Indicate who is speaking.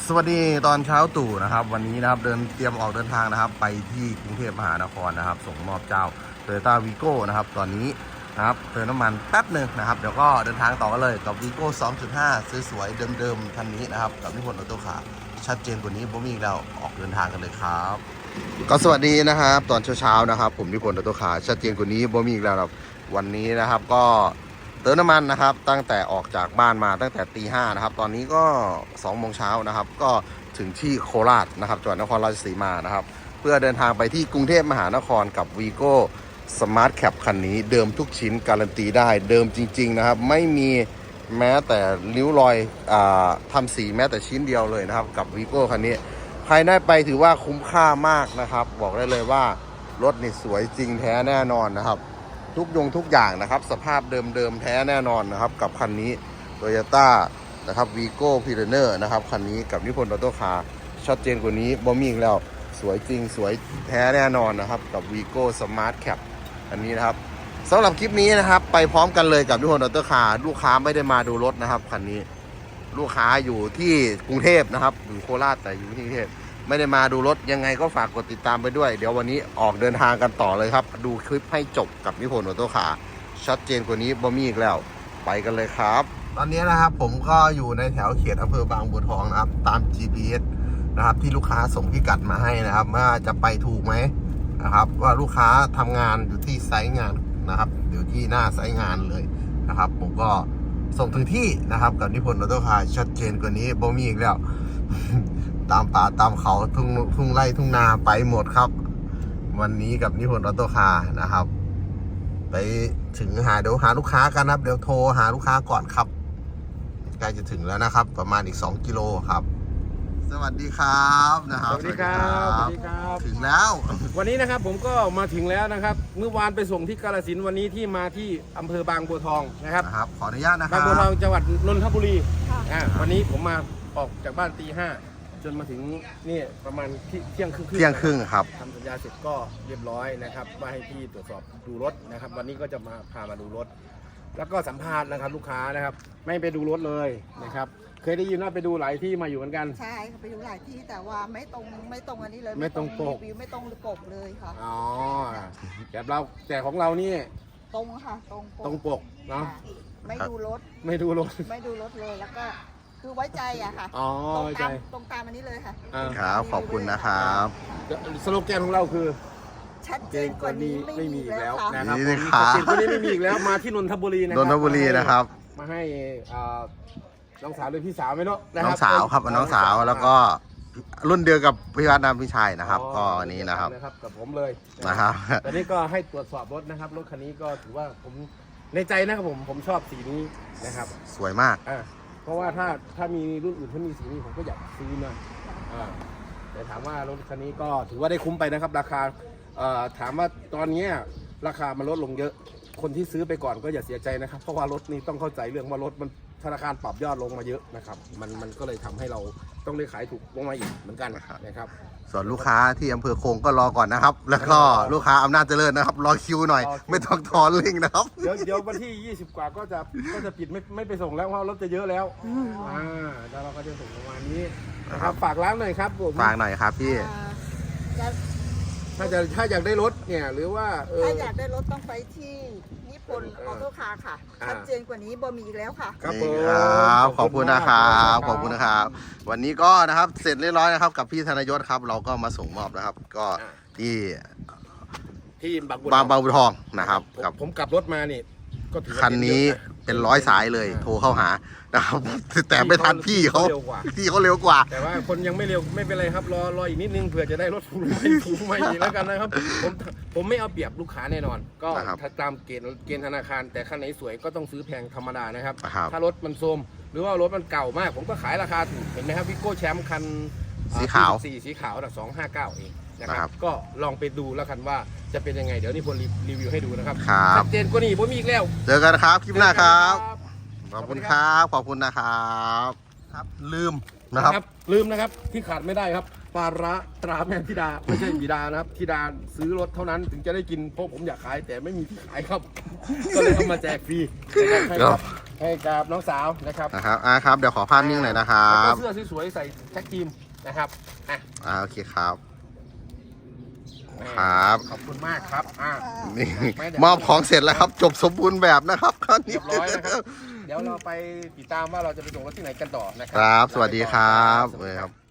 Speaker 1: สวัสดีตอนเช้าตู่นะครับวันนี้นะครับเตรียมออกเดินทางนะครับไปที่กรุงเทพมหานครนะครับส่งมอบเจ้า Toyota Vigo นะครับตอนนี้นะครับเติมน้ำมันแป๊บหนึ่งนะครับเดี๋ยวก็เดินทางต่อกันเลยกับ Vigo 2.5 สวยๆเดิมๆคันนี้นะครับกับนิพนธ์ออโต้คาร์ชัดเจนกว่านี้ผมมีอีกแล้วออกเดินทางกันเลยครับก็สวัสดีนะครับตอนเช้าๆนะครับผมนิพนธ์ออโต้คาร์ชัดเจนกว่านี้ผมมีอีกแล้วครับวันนี้นะครับก็เติมน้ำมันนะครับตั้งแต่ออกจากบ้านมาตั้งแต่ตี 5นะครับตอนนี้ก็2 โมงเช้านะครับก็ถึงที่โคราชนะครับจังหวัดนครราชสีมานะครับเพื่อเดินทางไปที่กรุงเทพมหานครกับ Vigo Smart Cap คันนี้เดิมทุกชิ้นการันตีได้เดิมจริงๆนะครับไม่มีแม้แต่ริ้วรอยทำสีแม้แต่ชิ้นเดียวเลยนะครับกับ Vigo คันนี้ใครได้ไปถือว่าคุ้มค่ามากนะครับบอกได้เลยว่ารถนี่สวยจริงแท้แน่นอนนะครับทุกอย่างนะครับสภาพเดิมแท้แน่นอนนะครับกับคันนี้ Toyota นะครับ Vigo Pioneer นะครับคันนี้กับนิพนธ์ออโต้คาร์ชัดเจนกว่านี้บ่มีอีกแล้วสวยจริงสวยแท้แน่นอนนะครับกับ Vigo Smart Cap อันนี้นะครับสำหรับคลิปนี้นะครับไปพร้อมกันเลยกับนิพนธ์ออโต้คาร์ลูกค้าไม่ได้มาดูรถนะครับคันนี้ลูกค้าอยู่ที่กรุงเทพนะครับอยู่โคราชแต่อยู่ที่กรุงเทพไม่ได้มาดูรถยังไงก็ฝากกดติดตามไปด้วยเดี๋ยววันนี้ออกเดินทางกันต่อเลยครับดูคลิปให้จบกับนิพนธ์ออโต้คาร์ชัดเจนกว่านี้บ่มีอีกแล้วไปกันเลยครับตอนนี้นะครับผมก็อยู่ในแถวเขตอำเภอบางบัวทองนะครับตาม GPS นะครับที่ลูกค้าส่งพิกัดมาให้นะครับว่าจะไปถูกไหมนะครับว่าลูกค้าทำงานอยู่ที่ไซต์งานนะครับอยู่ที่หน้าไซต์งานเลยนะครับผมก็ส่งถึงที่นะครับกับนิพนธ์ออโต้คาร์ชัดเจนกว่านี้บ่มีอีกแล้ว ตามป่าตามเขาทุ่งไร่ทุ่งนาไปหมดครับวันนี้กับนิพนธ์ออโต้คาร์นะครับไปถึงเดี๋ยวหาลูกค้ากันนะครับเดี๋ยวโทรหาลูกค้าก่อนครับใกล้จะถึงแล้วนะครับประมาณอีก2 กิโลครับสวัสดีครับนะครับ
Speaker 2: สวัสดีครับสวัสดีครับ
Speaker 1: ถึงแล้ว
Speaker 2: วันนี้นะครับผมก็มาถึงแล้วนะครับเมื่อวานไปส่งที่กาฬสินธุ์วันนี้ที่มาที่อำเภอบางบัวทองนะครับ
Speaker 1: ขออนุญาตนะครับ
Speaker 2: บางบัวทองจังหวัดนนทบุรีวันนี้ผมมาออกจากบ้านตี 5จนมาถึงนี่ประมาณเที่ยงครึ่ง
Speaker 1: ครับ
Speaker 2: ทำสัญญาเสร็จก็เรียบร้อยนะครับว่าให้พี่ตรวจสอบดูรถนะครับวันนี้ก็จะมาพามาดูรถแล้วก็สัมภาษณ์นะครับลูกค้านะครับไม่ไปดูรถเลยนะครับเคยได้ยินว่าไปดูหลายที่มาอยู่เหมือนกัน
Speaker 3: ใช่ค่ะไปดูหลายที่แต่ว่าไม่ตรงอันนี้เลย
Speaker 2: ไม่ตรงปก
Speaker 3: รีวิวไม่ตรงปกเลยค่ะ
Speaker 2: อ๋อแต่ของเรานี่
Speaker 3: ตรงค่ะ
Speaker 2: ตรงปกเนาะ
Speaker 3: ไม่ดูรถ
Speaker 2: ไม่ดูรถ
Speaker 3: เลยแล้วก็คือไว้ใจอะค่ะตรงตามอันนี้เลยค่ะ
Speaker 1: ครับขอบคุณนะครับ
Speaker 2: สโลแกนของเราคือ
Speaker 3: ชัดเจนกว่านี้ไม่มีอีกแล้ว
Speaker 2: นะครับชัดเจนกว่านี้ไม่มีอีกแล้วมาที่นนทบุรี
Speaker 1: นะครับ
Speaker 2: มาให้น้องสาวหรือพี่สาวไหมเนาะ
Speaker 1: น้องสาวครับน้องสาวแล้วก็รุ่นเดียวกับพี่วัดน้ำพี่ชายนะครับก็นี้นะครับ
Speaker 2: กับผมเลย
Speaker 1: นะครับ
Speaker 2: ตอนนี้ก็ให้ตรวจสอบรถนะครับรถคันนี้ก็ถือว่าผมในใจนะครับผมชอบสีนี้นะครับ
Speaker 1: สวยมาก
Speaker 2: เพราะว่าถ้ามีรุ่นอื่นที่มีสีนี้ผมก็อยากซื้อนะแต่ถามว่ารถคันนี้ก็ถือว่าได้คุ้มไปนะครับราคาถามว่าตอนนี้ราคามันลดลงเยอะคนที่ซื้อไปก่อนก็อย่าเสียใจนะครับเพราะว่ารถนี้ต้องเข้าใจเรื่องว่ารถมันธนาคารปรับยอดลงมาเยอะนะครับมันก็เลยทำให้เราต้องได้ขายถูกลงมาอีกเหมือนกันนะครับ
Speaker 1: ส่วนลูกค้าที่อำเภอคงก็รอก่อนนะครับแล้วก็ลูกค้าอำนาจเจริญนะครับรอคิวหน่อยไม่ต้องทอนลิงนะครับ
Speaker 2: เดี๋ยววันที่20กว่าก็จะปิดไม่ไปส่งแล้วเพราะรถจะเยอะแล้วแล้วเราก็จะส่งประมาณนี้นะครับฝากร้านหน่อยครับผม
Speaker 1: ฝากหน่อยครับพี่
Speaker 2: ถ้าอยากได้รถเนี่ยหรือว่า
Speaker 3: ถ้าอยากได้รถต้องไปที่นิพนธ์ออโต้คาร์ค่ะชัดเจนกว่านี้บ่มีอีกแล้วค่ะ
Speaker 1: ครับขอบคุณนะครับขอบคุณนะครับวันนี้ก็นะครับเสร็จเรียบร้อยนะครับกับพี่ธนยศครับเราก็มาส่งมอบนะครับก็ที่บางบัวทองนะครับ
Speaker 2: ผมกลับรถมานี่ก็ถือ
Speaker 1: คันนี้เป็น100 สายเลยโทรเข้าหานะครับแต่ไม่ทันพี่เขาเร็วกว่า
Speaker 2: แต่ว่าคนยังไม่เร็วไม่เป็นไรครับรออีกนิดนึงเผื่อจะได้รถถูกไม่อีกแล้วกันนะครับผมไม่เอาเปรียบลูกค้าแน่นอนก็ตามเกณฑ์ธนาคารแต่คันไหนสวยก็ต้องซื้อแพงธรรมดานะครับถ้ารถมันโทรมหรือว่ารถมันเก่ามากผมก็ขายราคาถูกเห็นไหมครับวิโก้แชมป์คัน
Speaker 1: สีขาว
Speaker 2: 259เองนะครับก็ลองไปดูแล้วกันว่าจะเป็นยังไงเดี๋ยวนี่พลรีวิวให้ดูนะครับชัดเจนกว่านี้ผมมีอีกแล้ว
Speaker 1: เจอกันครับคลิปหน้าครับขอบคุณครับขอบคุณนะครับลืม
Speaker 2: นะครับที่ขาดไม่ได้ครับปลาร้าตราแม่ธิดาไม่ใช่บิดานะครับธิดาซื้อรถเท่านั้นถึงจะได้กินเพราะผมอยากขายแต่ไม่มีที่ขายครับก็เลยเอามาแจกฟรีนะครับให้กับน้องสาวนะครับ
Speaker 1: นะครับครับเดี๋ยวขอภาพนิ่งหน่อยนะครั
Speaker 2: แล้ว
Speaker 1: บ
Speaker 2: ก็เสื้อสวยๆใส่แท็กทีมนะครับอ่ะ
Speaker 1: โอเคครับครับ
Speaker 2: ขอบคุณมากครับ
Speaker 1: นี่
Speaker 2: ไม่ได้
Speaker 1: มอบของเสร็จแล้วครับ จบสมบูรณ์แบบนะครับคราวนี้
Speaker 2: เรียบร้อยนะครับ เดี๋ยวเราไปติดตามว่าเราจะไปส่งรถที่ไหนกันต่อนะครั
Speaker 1: ครับ สวัสดีครับ
Speaker 2: สวัสดีครับ